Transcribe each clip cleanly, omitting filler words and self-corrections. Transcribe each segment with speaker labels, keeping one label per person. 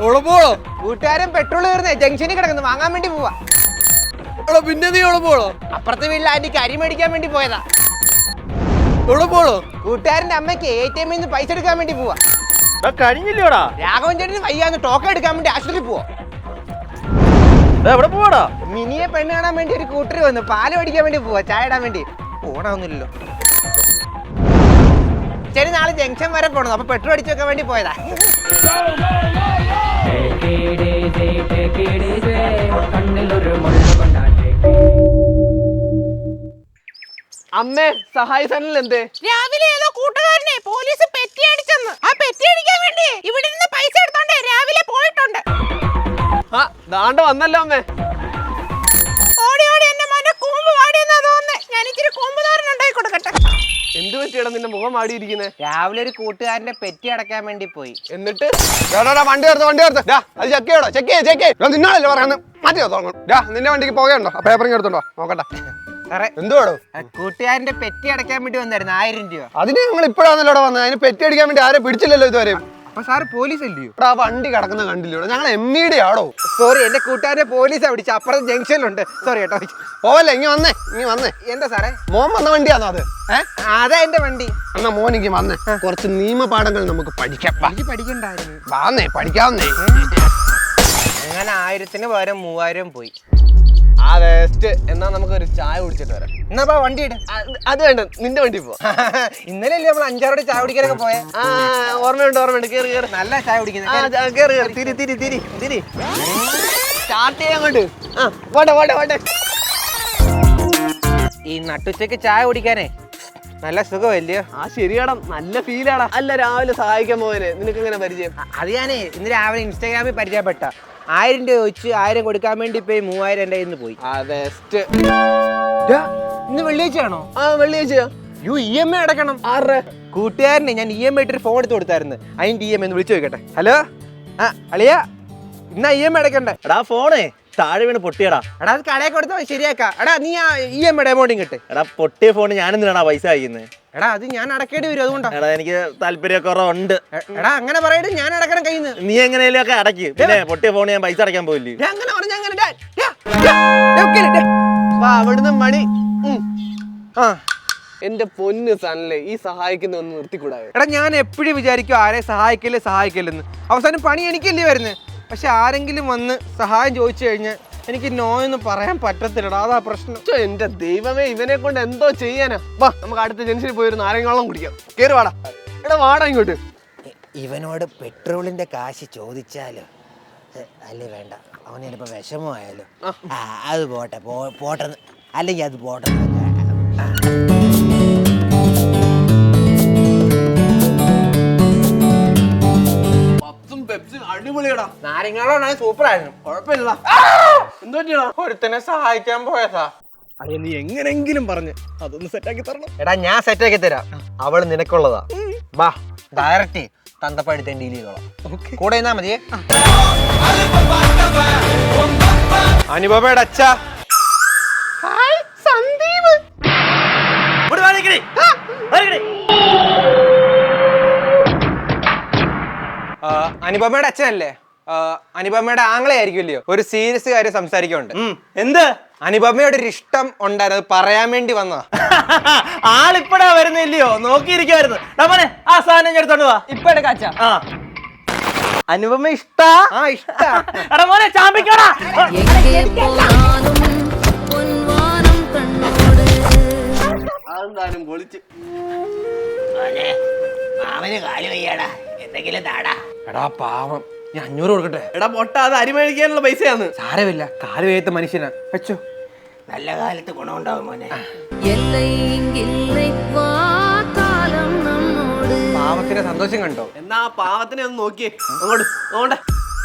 Speaker 1: കൂട്ടുകാരൻ പെട്രോൾ തീർന്നേ ജംഗ്ഷനിൽ കിടക്കുന്നു, വാങ്ങാൻ വേണ്ടി പോവാ.
Speaker 2: പിന്നെ നീ എവിടെ പോളോ?
Speaker 1: അപ്പുറത്തെ വീട്ടിൽ ആന്റിക്ക് അരി മേടിക്കാൻ വേണ്ടി പോയതാ.
Speaker 2: എവിടെ പോളോ?
Speaker 1: കൂട്ടുകാരന്റെ അമ്മയ്ക്ക് ATM നിന്ന് പൈസ എടുക്കാൻ വേണ്ടി പോവാ.
Speaker 2: കഴിഞ്ഞില്ലോടാ?
Speaker 1: രാഘവൻ ചേട്ടന് വയ്യാന്ന് ടോക്കൺ എടുക്കാൻ വേണ്ടി ആശുപത്രിയിൽ പോവാ.
Speaker 2: എവിടെ പോവാടാ?
Speaker 1: മിനിയെ പെണ്ണ് കാണാൻ വേണ്ടി ഒരു കൂട്ടർ വന്നു, പാല് മേടിക്കാൻ വേണ്ടി പോവാ, ചായ ഇടാൻ വേണ്ടി. ഓണാവുന്നില്ലല്ലോ. ശരി, നാളെ ജംഗ്ഷൻ വരെ പോണം, അപ്പൊ പെട്രോൾ അടിച്ചു വെക്കാൻ വേണ്ടി പോയതാ.
Speaker 2: അമ്മേ, സഹായിച്ചാൽ എന്തേ?
Speaker 3: രാവിലെ ഏതോ കൂട്ടുകാരനെ പോലീസ് പെറ്റി അടിച്ചെന്ന്. ആ പെറ്റി അടിക്കാൻ വേണ്ടി ഇവിടെ നിന്ന് പൈസ എടുത്തോണ്ട് രാവിലെ പോയിട്ടുണ്ട്.
Speaker 2: ആ ദാണ്ട വന്നല്ലോ അമ്മേ.
Speaker 3: ഓടി ഓടി എന്റെ മോനെ കൂമ്പ് വാടിയെന്നാ തോന്നുന്നേ. ഞാൻ ഇച്ചിരി കൂമ്പ് തോരൻ ഉണ്ടാക്കി കൊടുക്കട്ടെ.
Speaker 2: എന്ത് പറ്റിയടാ നിന്റെ മുഖം മാടിയിരിക്കുന്നേ?
Speaker 1: രാവിലെ ഒരു കൂട്ടുകാരന്റെ പെറ്റി അടക്കാൻ വേണ്ടി പോയി.
Speaker 2: എന്നിട്ട് വണ്ടി എടുത്ത് അത് ചെക്ക് നിന്നാണല്ലോ പറയാന്ന് മാറ്റി നിന്റെ വണ്ടിക്ക് പോകണ്ടോ? പേപ്പറിങ് എടുത്തോണ്ടോ നോക്കട്ടെ. എന്തുവാടോ?
Speaker 1: കൂട്ടുകാരന്റെ പെറ്റി അടയ്ക്കാൻ വേണ്ടി വന്നായിരുന്നു 1000 രൂപ.
Speaker 2: അതിന് ഞങ്ങൾ ഇപ്പോഴാണല്ലോ വന്നത്. അതിന് പെറ്റി അടിക്കാൻ വേണ്ടി ആരെ പിടിച്ചില്ലല്ലോ ഇതുവരെ.
Speaker 1: അപ്പൊ സാറ് പോലീസ് അല്ലയോ?
Speaker 2: ആ വണ്ടി കിടക്കുന്ന കണ്ടില്ലോ? ഞങ്ങൾ MVD ആടോ.
Speaker 1: സോറി, എന്റെ കൂട്ടുകാരനെ പോലീസാ പിടിച്ച. അപ്പുറത്തെ ജംഗ്ഷനിലുണ്ട്. സോറി കേട്ടോ.
Speaker 2: പോവല്ലേ, ഇങ്ങ വന്നേ.
Speaker 1: എന്താ സാറേ?
Speaker 2: മോൻ വന്ന വണ്ടിയാണോ അത്?
Speaker 1: അതാ എന്റെ വണ്ടി.
Speaker 2: എന്നാ മോനിക്ക് വന്നേ, കുറച്ച് നിയമപാഠങ്ങൾ നമുക്ക് പഠിക്കാം.
Speaker 1: പഠിക്കണ്ടായിരുന്നു.
Speaker 2: വാന്നേ, പഠിക്കാവുന്നേ.
Speaker 1: അങ്ങനെ 1000-ന് പകരം 3000 പോയി.
Speaker 2: ആ വേസ്റ്റ്. എന്നാ നമുക്ക് ഒരു ചായ കുടിച്ചിട്ട് വരാം.
Speaker 1: എന്നാ വണ്ടി ഇട്.
Speaker 2: അത് വേണ്ട, നിന്റെ വണ്ടി പോ.
Speaker 1: ഇന്നലെ അല്ലേ നമ്മൾ 5-6 ചായ കുടിക്കാനൊക്കെ പോയെ?
Speaker 2: ഓർമ്മയുണ്ട്. കേറി
Speaker 1: നല്ല ചായ കുടിക്കുന്നത്.
Speaker 2: തിരി സ്റ്റാർട്ട് ചെയ്യാൻ കൊണ്ട്. പോട്ടെ.
Speaker 1: ഈ നട്ടുച്ചയ്ക്ക് ചായ കുടിക്കാനേ നല്ല സുഖമല്ലയോ?
Speaker 2: ആ ശരിയാടാ, നല്ല ഫീലാടാ. അല്ല, രാവിലെ സഹായിക്കാൻ പോയനെ നിനക്ക് എങ്ങനെ പരിചയം?
Speaker 1: അത് ഞാനേ ഇന്ന് രാവിലെ ഇൻസ്റ്റാഗ്രാമിൽ പരിചയപ്പെട്ട. 1000 രൂപ ചോദിച്ച് 1000 കൊടുക്കാൻ വേണ്ടി പോയി 3000 എന്റെ കയ്യിൽ നിന്ന് പോയി. ഇന്ന് വെള്ളിയാഴ്ചയാണോ?
Speaker 2: ആ വെള്ളിയാഴ്ചയാ.
Speaker 1: EMI അടക്കണം. കൂട്ടുകാരനെ ഞാൻ EMI ഇട്ടൊരു ഫോൺ എടുത്ത് കൊടുത്തായിരുന്നു. അതിന്റെ EMI ഒന്ന് വിളിച്ചു നോക്കട്ടെ. ഹലോ, അളിയാ, ഇന്നാ EMI അടക്കണ്ടേ?
Speaker 4: എടാ ഫോണേ താഴെ വീണ് പൊട്ടിയടാ.
Speaker 1: എടാ അത് കടയിൽ കൊടുത്താൽ ശരിയാക്കാം. എടാ നീ ആ EMI എമൗണ്ടും കിട്ടെ.
Speaker 4: എടാ പൊട്ടിയ ഫോണ് ഞാനെന്തിനാണ് പൈസ അയക്കുന്നത്?
Speaker 1: എടാ അത് ഞാൻ അടക്കേണ്ടി വരും, അതുകൊണ്ടാ.
Speaker 4: എടാ എനിക്ക് താല്പര്യക്കുറവുണ്ട്.
Speaker 1: എടാ അങ്ങനെ പറയട്ടെ, ഞാൻ അടക്കണം കയ്യിൽ നിന്ന്.
Speaker 4: നീ എങ്ങനെയും ഒക്കെ അടയ്ക്ക്. പിന്നെ പൊട്ടിയ ഫോണ് ഞാൻ പൈസ അടയ്ക്കാൻ പോയില്ലേ?
Speaker 1: അങ്ങനെ പറഞ്ഞ
Speaker 2: അവിടുന്ന് മണി.
Speaker 1: ആ
Speaker 2: എന്റെ പൊന്ന് സനല്ലേ, ഈ സഹായിക്കുന്ന ഒന്ന് നിർത്തിക്കൂടാ?
Speaker 1: എടാ ഞാൻ എപ്പോഴും വിചാരിക്കും ആരെ സഹായിക്കല്ലെന്ന്. അവസാനം പണി എനിക്കല്ലേ വരുന്നത്. പക്ഷെ ആരെങ്കിലും വന്ന് സഹായം ചോദിച്ചു കഴിഞ്ഞാൽ എനിക്ക് നോ എന്ന് പറയാൻ പറ്റത്തില്ലടാ, അതാ പ്രശ്നം.
Speaker 2: എന്റെ ദൈവമേ, ഇവനെ കൊണ്ട് എന്തോ ചെയ്യാനാ. വാ, നമുക്ക് അടുത്ത ജംഗ്ഷനിൽ പോയി ഒരു നാരങ്ങാളം കുടിക്കാം. കേറി വാടാ. എടാ വാടാ ഇങ്ങോട്ട്.
Speaker 1: ഇവനോട് പെട്രോളിന്റെ കാശ് ചോദിച്ചാലോ? അല്ലേ വേണ്ട, അവന് ചിലപ്പോ വിഷമമായാലോ? അത് പോട്ടെ, അല്ലെങ്കിൽ അത് പോട്ടെ.
Speaker 2: അടിപൊളിയടാ.
Speaker 1: നാരങ്ങളാണ് സൂപ്പറായിരുന്നു.
Speaker 2: കുഴപ്പമില്ല. എന്തോ
Speaker 1: ഒരുത്തനെ സഹായിക്കാൻ പോയതാ.
Speaker 4: അതെ, നീ എങ്ങനെങ്കിലും പറഞ്ഞ് അതൊന്ന് സെറ്റാക്കി തരണം.
Speaker 1: എടാ ഞാൻ സെറ്റാക്കി തരാം. അവള് നിനക്കുള്ളതാ. വാ, ഡയറക്റ്റ് തന്തപ്പടുത്ത ഡീൽ ചെയ്തോളാം. കൂടെ നിന്നാ മതിയേ. അനുപമയുടെ അച്ഛ. ഹായ് സന്ദീപ്. അനുപമയുടെ അച്ഛനല്ലേ? അനുപമയുടെ ആംഗ്ലേ ആയിരിക്കുമല്ലയോ? ഒരു സീരിയസ് കാര്യം സംസാരിക്കുന്നുണ്ട്.
Speaker 4: എന്ത്?
Speaker 1: അനുപമയുടെ ഒരു ഇഷ്ടം ഉണ്ടായിരുന്നു, പറയാൻ വേണ്ടി വന്നതാ.
Speaker 4: ആളിപ്പടാ വരുന്നില്ലയോ? നോക്കിയിരിക്കുവായിരുന്നു. ആ സാധനം ഞാൻ എടുത്തോണ്ട് വാ.
Speaker 1: ഇപ്പൊ എടുക്കാച്ച.
Speaker 4: അനുപമ ഇഷ്ടാ?
Speaker 1: ആ ഇഷ്ടാ.
Speaker 4: എടാ മോനെ ചാമ്പിക്കോടാ.
Speaker 2: അതെന്തായാലും പൊളിച്ച്.
Speaker 1: അവന് കാല് വയ്യാടാ, എന്തെങ്കിലും താടാ. എടാ പാവം, ഞാൻ 500 കൊടുക്കട്ടെ?
Speaker 2: എടാ പൊട്ട, അത് അരി മേടിക്കാനുള്ള പൈസയാണ്.
Speaker 1: സാരമില്ല, കാല് വേത്ത മനുഷ്യനാ. വെച്ചോ, നല്ല കാലത്ത് ഗുണമുണ്ടാവും മോനെ. പാവത്തിന്റെ സന്തോഷം കണ്ടോ?
Speaker 2: എന്നാ ആ പാവത്തിനെ ഒന്ന് നോക്കിയേ. അങ്ങോട്ട് നോക്കട്ടെ.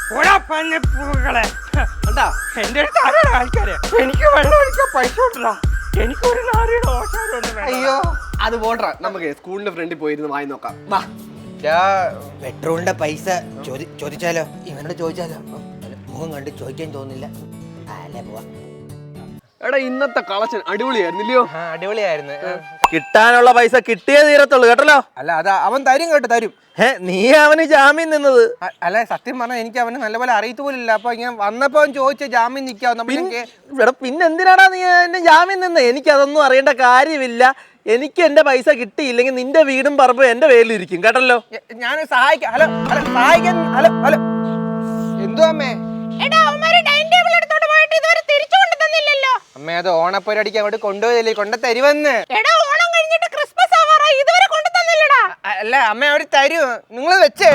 Speaker 1: എന്റെ ആൾക്കാരെ എനിക്ക് വെള്ളം ഒഴിക്കാൻ പൈസ കൊടുത്താ. എനിക്കൊരു നാരിയുടെ ഓശാരം. അയ്യോ,
Speaker 2: അത് പോട്ടെ, നമുക്ക് സ്കൂളിന്റെ ഫ്രണ്ടിൽ പോയിരുന്ന് വായി നോക്കാം. വാ.
Speaker 1: പെട്രോളിന്റെ പൈസ ചോദിച്ചാലോ? ഇവനോട് ചോദിച്ചാലോ? മുഖം കണ്ട് ചോദിക്കാൻ തോന്നില്ല. അല്ലേ പോവാ.
Speaker 2: എടാ ഇന്നത്തെ കളക്ഷൻ അടിപൊളിയായിരുന്നില്ലയോ?
Speaker 1: അടിപൊളിയായിരുന്നു.
Speaker 4: കിട്ടാനുള്ള പൈസ കിട്ടിയേ തീരത്തുള്ളൂ കേട്ടല്ലോ.
Speaker 1: അല്ല അത് അവൻ തരും കേട്ടോ, തരും.
Speaker 4: നീ അവന് ജാമ്യം നിന്നത്.
Speaker 1: അല്ല സത്യം പറഞ്ഞാൽ എനിക്ക് അവന് നല്ലപോലെ അറിയത്ത് പോലില്ല. അപ്പൊ ഇങ്ങനെ വന്നപ്പോ അവൻ ചോദിച്ച ജാമ്യം നിൽക്കാവും.
Speaker 4: പിന്നെ എന്തിനാടാ നീ എന്റെ ജാമ്യം നിന്ന്? എനിക്കതൊന്നും അറിയേണ്ട കാര്യമില്ല. എനിക്ക് എന്റെ പൈസ കിട്ടിയില്ലെങ്കിൽ നിന്റെ വീടും പറമ്പും എന്റെ പേരിലിരിക്കും കേട്ടല്ലോ.
Speaker 1: ഞാൻ സഹായിക്കാം. ഹലോ ഹലോ സഹായിക്കാൻ. ഹലോ ഹലോ എന്തോ അമ്മേ?
Speaker 3: എടാ അവന്മാര് ഡൈനിങ് ടേബിൾ എടുത്തോണ്ട് പോയിട്ട് ഇതുവരെ തിരിച്ചു കൊണ്ട് തന്നില്ലല്ലോ.
Speaker 1: അമ്മേ അത് ഓണപ്പരിപാടിക്ക് അങ്ങോട്ട് കൊണ്ടുപോയതല്ലേ, കൊണ്ട് തരുവന്ന്.
Speaker 3: എടാ ഓണം കഴിഞ്ഞിട്ട് ക്രിസ്മസ് ആവാറായി, ഇതുവരെ കൊണ്ട് തന്നില്ലടാ.
Speaker 1: അല്ല അമ്മ അവര് തരും, നിങ്ങൾ വെച്ചേ.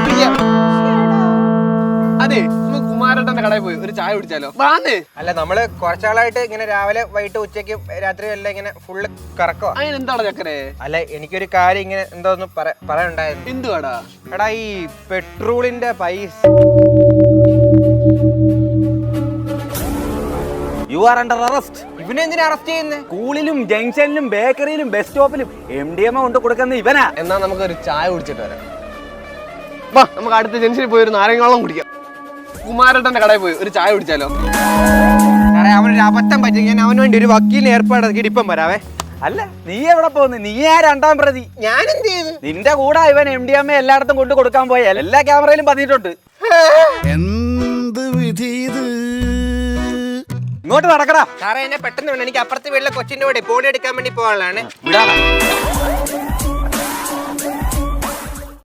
Speaker 2: അതെ നമുക്ക് കുമാരേട്ടന്റെ കടയിൽ പോയി ഒരു ചായ കുടിച്ചാലോ? വാന്നേ.
Speaker 1: അല്ല നമ്മള് കുറച്ചാളായിട്ട് ഇങ്ങനെ രാവിലെ വൈകിട്ട് ഉച്ചയ്ക്ക് രാത്രി എല്ലാം ഇങ്ങനെ ഫുള്ള് കറക്കുക.
Speaker 2: അതിന് എന്താണ് ചക്കരെ?
Speaker 1: അല്ല എനിക്കൊരു കാര്യം ഇങ്ങനെ എന്തോന്ന് പറയാനുണ്ടായിരുന്നു.
Speaker 2: എന്തുവാടാ?
Speaker 1: എടാ ഈ പെട്രോളിന്റെ പൈസ.
Speaker 4: You are under arrest.
Speaker 1: ഇവനെന്തിനാ അറസ്റ്റ് ചെയ്യുന്നത്?
Speaker 4: സ്കൂളിലും ജംഗ്ഷനിലും ബേക്കറിയിലും ബസ് സ്റ്റോപ്പിലും MDMA കൊണ്ട് കൊടുക്കുന്ന ഇവനാ.
Speaker 2: എന്നാ നമുക്കൊരു ചായ കുടിച്ചിട്ട് വരാം. വാ നമുക്ക് അടുത്ത ജംഗ്ഷനിൽ പോയി ഒരു നാരങ്ങാവെള്ളം കുടിക്കാം. കുമാരേട്ടന്റെ കടയിൽ പോയി ഒരു ചായ കുടിച്ചാലോ?
Speaker 1: സാറേ അവനൊരു അബദ്ധം പറ്റി, ഞാൻ അവന് വേണ്ടി ഒരു വക്കീലിനെ ഏർപ്പാടാക്കിയിട്ട് ഇപ്പം വരാവേ.
Speaker 4: അല്ല നീ എവിടെ പോകുന്നു? നീ ആ രണ്ടാം പ്രതി.
Speaker 1: ഞാൻ എന്ത് ചെയ്തു?
Speaker 4: നിന്റെ കൂടെ ഇവൻ MDMA എല്ലായിടത്തും കൊണ്ട് കൊടുക്കാൻ പോയ എല്ലാ ക്യാമറയിലും പതിയിട്ടുണ്ട്.
Speaker 5: എന്ത് വിധി ഇത്?
Speaker 4: ഇങ്ങോട്ട് നടക്കടാ.
Speaker 1: സാറേ എന്നെ പെട്ടെന്ന് വേണം, എനിക്ക് അപ്പുറത്തെ വീട്ടിലെ കൊച്ചിന്റെ കൂടെ ബോഡി എടുക്കാൻ വേണ്ടി പോകാനുള്ളതാണ്.
Speaker 4: വിടാ.